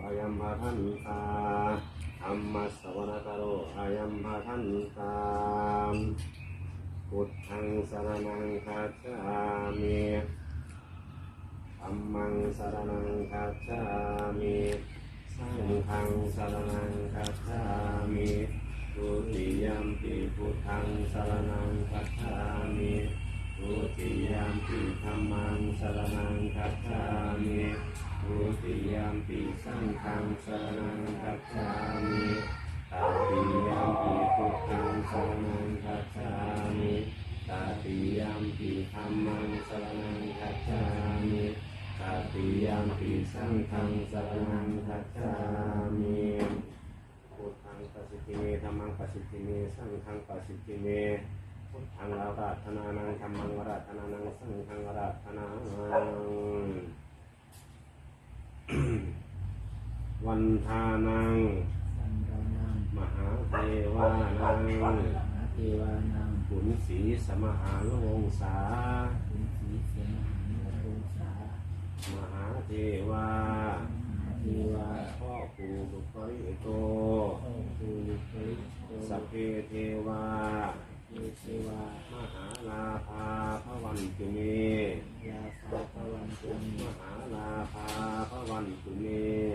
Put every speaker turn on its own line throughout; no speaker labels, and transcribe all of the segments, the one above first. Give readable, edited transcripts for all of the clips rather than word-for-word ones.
อายัมภาทันตาธัมมัสสวนาคาโรอายัมภาทันตาพุทธังสรณังคัจฉามิธัมมังสรณังคัจฉามิสังฆังสรณังคัจฉามิทุติยัมปิพุทธังสรณังคัจฉามิทุติยัมปิธัมมังสรณังคัจฉามิทุติยัมปิสังฆังสรณังคัจฉามิตติยัมปิพุทธังสรณังคัจฉามิตติยัมปิธัมมังสรณังคัจฉามิตติยัมปิสังฆังสรณังคัจฉามิพุทธังปัสสิติเมธัมมังปัสสิติเมสังฆังปัสสิติเมพุทธังอาราธนานังธัมมังอาราธนานังสังฆังอาราธนานังวันทานังมหาเทวานังขุนศรีสมหาโลงสามหาเทวาพ่อปู่บุปริโตสัพเพเทวามหาลาภาพระวันตุเมมหาลาภาพระวันตุเม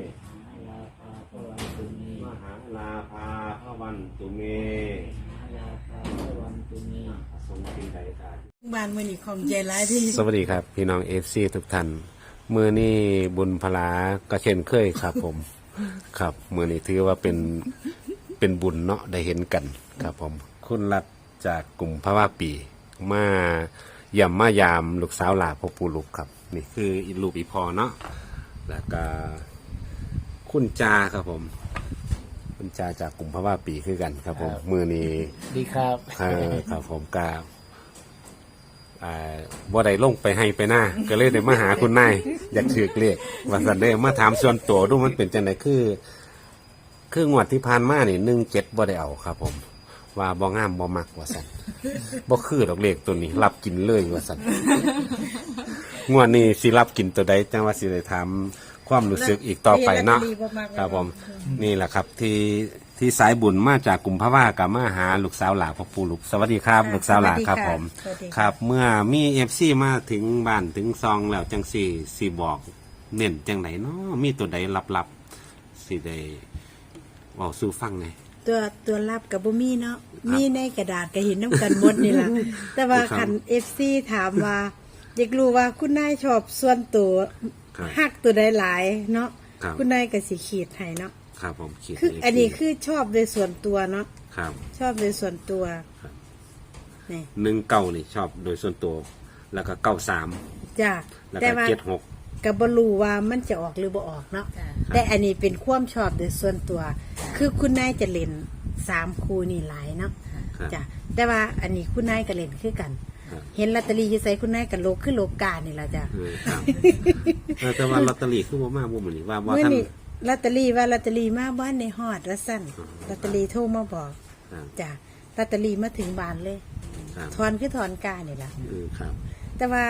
มหาลาภาพระวันตุเมทรงเป็นใดกา
บ้านมือนี่ของใจร้ายที่
สวัสดีครับพี่น้องFCทุกท่านมือนี่บุญพลาก็เช่นเคยครับผมครับมือนี่ถือว่าเป็นบุญเนาะได้เห็นกันครับผมคุณรัฐจากกลุ่มพระว่าปีมาย่ำมายามลูกสาวหลาพ่อปู่ลูกครับนี่คืออีลูกอีพอเนาะแล้วก็คุณจาครับผมคุณจาจากกลุ่มพระว่าปีคือกันครับผมมือนี้
ดีครับ
ครับผมกาบ่ได้ลงไปให้ไปหน้าก็เลยได้มาหาคุณนายอยากถือเรียกว่าสันได้มาถามส่วนตัวดูมันเป็นจังไดคืองวดที่ผ่านมานี่17บ่ได้เอาครับผมว่าบ่งามบ่มักว่าสันบ่คือดอกเลขตัวนี้รับกินเลยว่าสันงวดนี้สิรับกินตัวใดจังว่าสิได้ถามความรู้สึกอีกต่อไปเนาะครับผมนี่แหละครับที่สายบุญมาจากกลุ่มพระว่ากับมาหาลูกสาวหลาพ่อปู่ลูกสวัสดีครับลูกสาวหลาครับผมครับเมื่อมีFCมาถึงบ้านถึงซองแล้วจังสิบอกเน้นจังไหนเนาะมีตัวใดลับๆสิได้เว้าสู่ฟังไง
ตัวรับกับบ่มีเนาะมีในกระดาษก็เห็นน้ำกันหมดนี่ล่ะแต่ว่าคัน FC ถามว่าอยากรู้ว่าคุณนายชอบส่วนตัวฮักตัวใดหลายเนาะคุณนายก็สิขีดให้เนาะ
ครับผมขีด
คืออันนี้คือชอบโดยส่วนตัวเนาะ
ครับ
ชอบโดยส่วนตัว
นี่19นี่ชอบโดยส่วนตัวแล้วก็93
จ้ะ
แต่ว่า76
ก็บ่รู้ว่ามันจะออกหรือบ่ออกเนาะแต่อันนี้เป็นความชอบโดยส่วนตัวคือคุณนายจะเล่น3คู่นี่หลายเนาะจ้ะแต่ว่าอันนี้คุณนายก็เล่นคือกันเห็นลอตเตอรี่อยู่ใส่คุณนายกับโลคือโลกานี่ล่ะจ้ะ
แต่ว่าลอตเตอรี่คือบ่มาบ่มื้อนี้ว่าท่าน
ลอตเตอรี่มาบ้านในฮอดว่าซั่นลอตเตอรี่โทรมาบอกจ้ะลอตเตอรี่มาถึงบ้านเลยถอนคือถอนกานี่ล่ะ
ครับ
แต่ว่า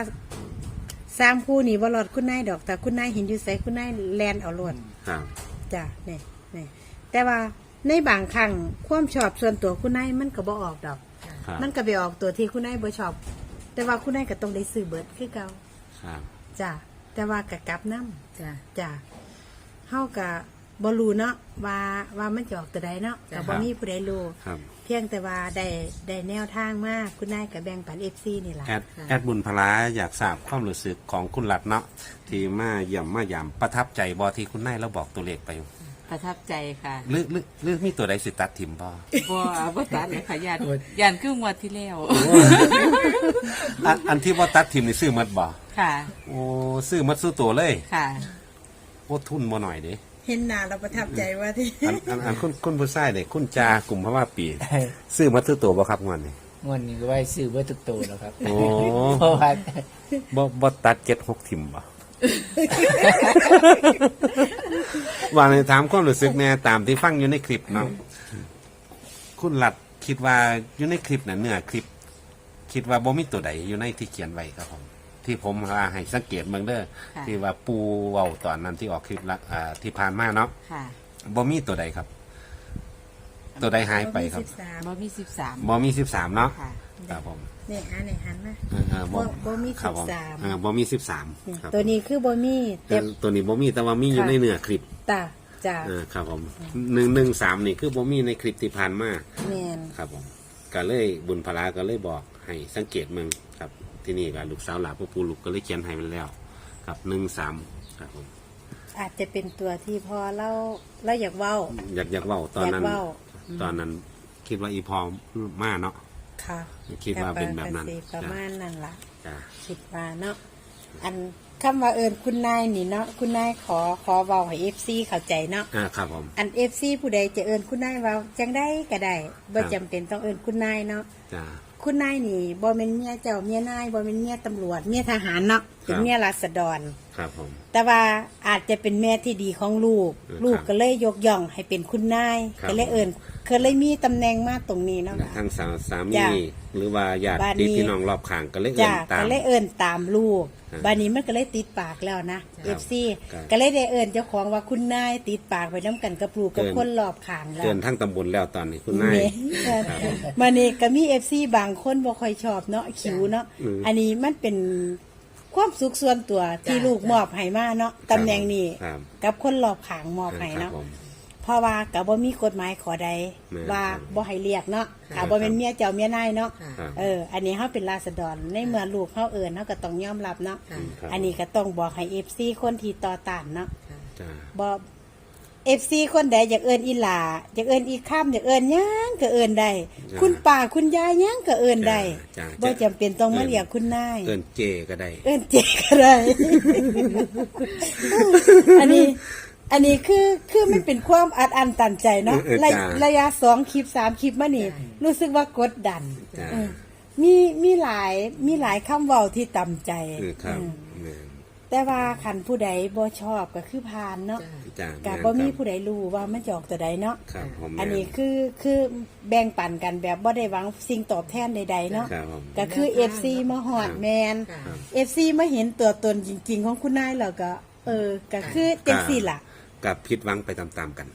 3คู่นี่บ่รอดคุณนายดอกแต่คุณนายเห็นอยู่ไสคุณนายแลนเอาโลด
ครับ
จ้ะนี่แต่ว่าในบางครั้งความชอบส่วนตัวคุณนายมันก็บ่ออกดอกมันก็ไปออกตัวที่คุณนายบ่ชอบแต่ว่าคุณนายก็ต้องได้ซื้อเบิดคือเก่า
ครับ
จ้ะแต่ว่าก็กลับนำจ้ะเฮาก็บ่รู้เนาะว่ามันจะออกตัวใดเนาะก็บ่มีผู้ใดรู้เพียงแต่ว่าได้แนวทางมาคุณนายก็แบ่งปัน FC นี่ล่ะ
แอดบุญพลาอยากทราบความรู้สึกของคุณรัตน์เนาะที่มาเยี่ยมมายามประทับใจบ่ที่คุณนายเราบอกตัวเลขไป
ประทับใจค่ะ
หรือมีตัวใดสิตัดถิ่ม
บ่ตัดเลยค่ะย่านครึ่งวันที่แล้ว
อันที่บ่ตัดถิ่มนี่ซื้อหมดบ่
ค่ะ
โอ้ซื้อหมดสู้ตัวเลย
ค่ะ
โอ้ทุนบ่หน่อยเด้
เห็นหน้าเราประทับใจว่าที่
อันคุณผู้ชายเด้คุณจากลุ่มพระว่าปีซื้อหมดสู้ตัวบ่ครับงวดนี้
ก็ไว้ซื้อเบิดทุกตัวแล้วครับ
โอ้เพราะว่าบ่ตัด7-6ถิ่มบ่ว่าในถามความรู้สึกเนี่ยตามที่ฟังอยู่ในคลิปเนาะคุณหลัดคิดว่าอยู่ในคลิปน่ะเนื้อคลิปคิดว่าบ่มีตัวใดอยู่ในที่เขียนไว้ครับผมที่ผมว่าให้สังเกตเบิ่งเด้อ
ค่ะ
ที่ว่าปูเว้าตอนนั้นที่ออกคลิปละที่ผ่านมาเนาะ
ค่ะ
บ่มีตัวใดครับ ตัวใดหายไปครับ
บ่มี13
บ่มี13เนาะ
ค่ะ
ครับผม
นี่อันนี้หันมา บ่มี
ครับผ
13
บ่มี
นี่
13ครับ
ตัวนี้คือบ่มีแต่
ตัวนี้บ่มีแต่ว่ามีอยู่
ค่ะ
ในเนื้อคลิป
ตาจ้า
ครับผม113นี่คือบ่มีในคลิปที่ผ่านมา
แม่น
ครับผมก็เลยบุญพลาก็เลยบอกให้สังเกตเมืองครับที่นี่ก็ลูกสาวหลานพ่อปู่ลูกก็เลยเขียนให้มันแล้วครับ13ครับผม
อาจจะเป็นตัวที่พอเราอยากเว้า
อยากเว้าตอนนั้น
อยากเว้า
ตอนนั้นคิดว่าอีพอมาเนาะ
ค่ะ
คิดว่าเป็นแบบนั้น
ก็สิประมาณนั้นล่ะ
จ้ะ
คิดว่าเนาะอันคำว่าคุณนายนี่เนาะคุณนายขอเว้าให้ FC เข้าใจเนาะ
ครับผม
อัน FC ผู้ใดจะคุณนายเว้าจังได้ก็ได้บ่จำเป็นต้องคุณนายเนาะ
จ้ะ
คุณนายนี่บ่แม่นเมียเจ้าเมียนายบ่แม่นเมียตำรวจเมียทหารเนาะเป็นเมียราษฎร
ครับผม
แต่ว่าอาจจะเป็นแม่ที่ดีของลูก
ครับ
ลูกก็เลยยกย่องให้เป็นคุณนาย
ครับ
ก็เลยเคยเลยมีตำแหน่งมาตรงนี้เนาะ
และทั้งสามี
จ้ะ
หรือว่าญาติ
บ้านนี้
พี่น้องรอบข้างก็เลยเอิ่
จ้าน
ตาม
ก็เลยตามลูก
ครับ
บ้านนี้มันก็เลยติดปากแล้วนะ
ครับ
FC
ครับ
ก็เลยได้เจ้าของว่าคุณนายติดปากไปน้ำกันกับลูกกับคนรอบข้างแล้ว
เกินทั้งตำบลแล้วตอนนี้คุณนาย
มานี่ก็มี FC บางคนบ่ค่อยชอบเนาะคิวเนาะ
อืม
อันนี้มันเป็นความสุขส่วนตัวที่ลูกมอบให้มาเนาะตำแหน่งนี้
ครับ
กับคนรอบข้างมอบให้
ครับ
เนาะ
ผม
เพราะว่าก็บ่มีกฎหมายขอใด
แม่น
ว่า
ครับ
บ่ให้เรียกเนาะ
ครั
ถ้า
บ
บ่เป็นเมียเจ้าเมียนายเนาะ
ครับ
อันนี้เฮาเป็นราษฎรในเมื่อลูกเฮาเฮาก็ต้องยอมรับเนาะ
ครับ
อันนี้ก็ต้องบอกให้ FC คนที่ต่อต้านเนาะ
จ้ะ
บ่ FC คนใดอยากอีหลาอยากอีข้ามอยากหยังก็ได้ คุณป้าคุณยายหยังก็ได้
จ้ะ
บ่จำเป็นต้องมาเรียกคุณนาย
เอิ้นเจก็ได้
เจ๊ก็ได้ อันนี้คือมันเป็นความอัดอั้นตันใจเนาะ ระยะ2 คลิป 3 คลิปมานี่รู้สึกว่ากดดัน
จ้ะ
เออมีหลายคำเว้าที่ต่ำใจ
ครับ
เออ
แม่น
แต่ว่าคันผู้ใดบ่ชอบก็คือผ่านเนาะ
จ้ะ
ก็
แน
บ่มี
ครับ
ผู้ใดรู้ว่ามันจะออกตัวใดเนาะ
ครับผม
อันนี้คือแบ่งปันกันแบบบ่ได้หวังสิ่งตอบแทนใดๆเนาะ
ครับผม
ก็คือ FC มาหอดแมน
ครับ
FC มาเห็นตัวตนจริง ๆ ของคุณนายแล้วก็ ก็คือจังซี่ล่ะ
กับผิดหวังไปตามๆกัน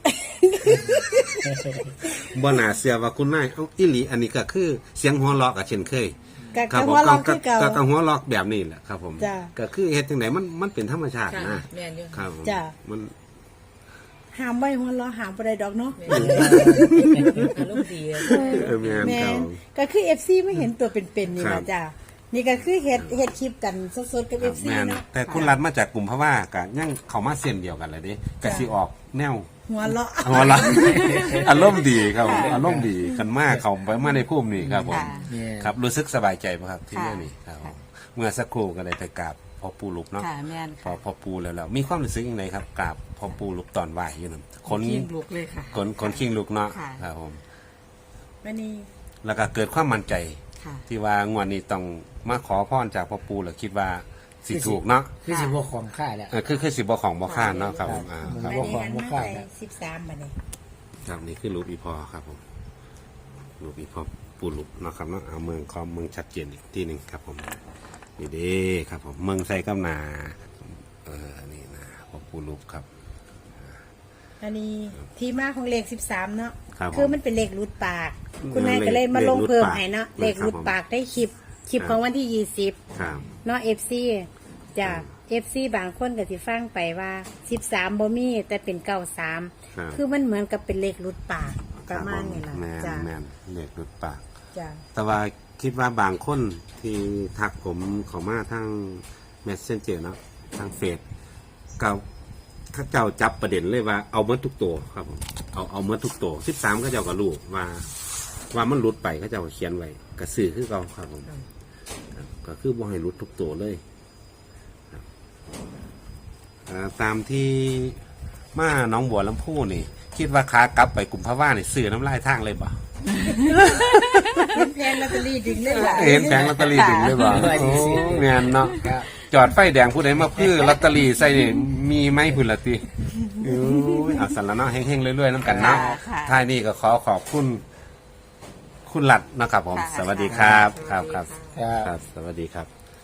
บ่น่าเชื่อว่าคุณนายเอ้าอีหลีอันนี้ก็คือเสียงหัวเราะกับเช่นเคย
ก็
ครับผม
หัวเราะคือเก่า
ก็หัวเราะแบบนี้แหละครับผม
จ้ะ
ก็คือเฮ็ดจังไดมันเป็นธรรมชาตินะ
แม่นอยู่
ครับผม
จ้ะ
มัน
ห้ามไว้หัวเราะห้ามบ่ได้ดอกเนาะ
อารมณ์ดีเลย
แม่น
แม่
ครับ
นก็คือ FC มาเห็นตัวเป็นๆนี่
ครั
ล่ะ
บ
จ้ะนี่ก็คือเฮ็ดคลิปกันสดๆกับ
ครับ
FC
แม่น
เนาะ
แต่คุณรัฐมาจากกลุ่มเพราะว่าก็ยังเข้ามาเส้นเดียวกันเลยเด้ก็สิออกแนว
หัวเราะ
หัวเราะ อารมณ์ดีครับผมอารมณ์ดีกันมากเขาไปมาในภูมินี่ครับผม
ค่ะ
เนี่ย
ครับรู้สึกสบายใจป่ะครับที่
ค่ะ
นี่นี่ครับผมเมื่อสักครู่ก็เลยไปกราบพ่อปู่ลุกเนาะ
ค่ะแม่น
พอพ่อปู่แล้วมีความรู้สึกยังไงครับกราบพ่อปู่ลุกตอนไหวอยู่นั่นคน
กินลุกเลยค่ะ
คนขิงลุกเนาะ
ค่ะ
ครับผม
วันนี้
แล้วก็เกิดความมั่นใจ
ค่ะ
ที่ว่างวดนี้ต้องมาขอพรจากพ่อปู่แล้วคิดว่าสิถูกเนาะ
คือสิบ่ของค่าแล้ว
คือสิบ่ของบ่ข้านเนาะครับผมค
ครั
รับ
บ
วันนี้
ของ
หัน
บ่
มา
ค่า
ไป
แล้ว
13บัดนี้
ครับนี่คือรูปอีพอครับผมรูปอีพอปู่ลุกเนาะครับเนาะเอาเมืองคอมเมืองชัดเจนอีกที่หนึ่งครับผมนี่เด้ครับผมเมืองไซกำนานี่นะพ่อปู่ลุกครับ
อันนี้ที่มาของเลข13เนาะ
ครับผม
คือมันเป็นเลขรูดปาก คุณนายก็เลยมาลงเพิ่มให้เนาะเล
เล
ข
ขรู
รู
ด
ด
ปา
ปาก กได้คลิปของวันที่20
ครับ
เนาะ FC จ้ะ FC บางคนก็สิฟังไปว่า13บ่มีแต่เป็น
ครับ
93คือมันเหมือนกับเป็นเลขรูดปากประมาณนี้ล่ะ
แม่น
จ้ะ
แม่นเลขรูดปาก
จ้ะ
แต่ว่าคิดว่าบางคนที่ทักผมเขามาทาง Messenger เนาะทางเฟซก็เขาเจ้าจับประเด็นเลยว่าเอาเมื่อทุกตัวครับผมเอาเมื่อทุกตัว13เขาเจ้าก็รู้ว่ามันหลุดไปเขาเจ้าก็เขียนไว้กระสือคือเขาครับผมครับก็คือบ่ให้หลุดทุกตัวเลยครับตามที่มาหน้องบัวลำพูนี่ คิดว่าขากลับไปกลุ่มพะว่านี่ซื้อน้ำลายทางเลยบ่
แพงลอตเตอรี่ดึงเลยล่ะ
เห็นแผงลอตเตอรี่ถึงเลยบ่โอ้เงียนเนาะ
ครับ
จอดไฟแดงผู้ใดมาพื้อลอตเตอรี่ใส่นี่มีไหมพุ่นละติอู้ยเอาสันละเนาะเฮงๆเรื่อยๆน้ำกันเนาะ
ค่ะ
ท้ายนี้ก็ขอบคุณ คุณหลัดนะครับผม
ค่ะ
สวัสดีครับครับครับ
ครับ
ครับ สวัสดีครับ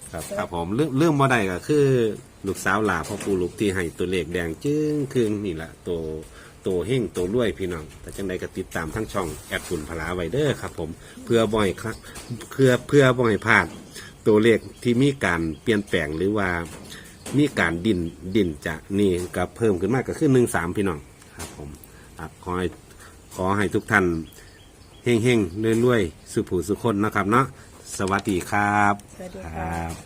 ครับผมเรื่องบ่ได้ก็คือลูกสาวหลาพ่อปู่ลูกที่ให้ตัวเลขแดงจึ้งครึ่งนี่แหละตัวเฮงตัวรวยพี่น้องแต่จังใดก็ติดตามทั้งช่องแอดฝุ่นพลาไว้เด้อครับผมเพื่อบ่อยครับเพื่อบ่อยพลาดตัวเลขที่มีการเปลี่ยนแปลงหรือว่ามีการดินจะนี่ก็เพิ่มขึ้นมากก็คือ13พี่น้องครับผมครับขอให้ทุกท่านเฮงๆรวยๆสุขผู้สุขคนนะครับเนาะสวัสดีครับ
สวัสดี
ค
ค่ะ
รับ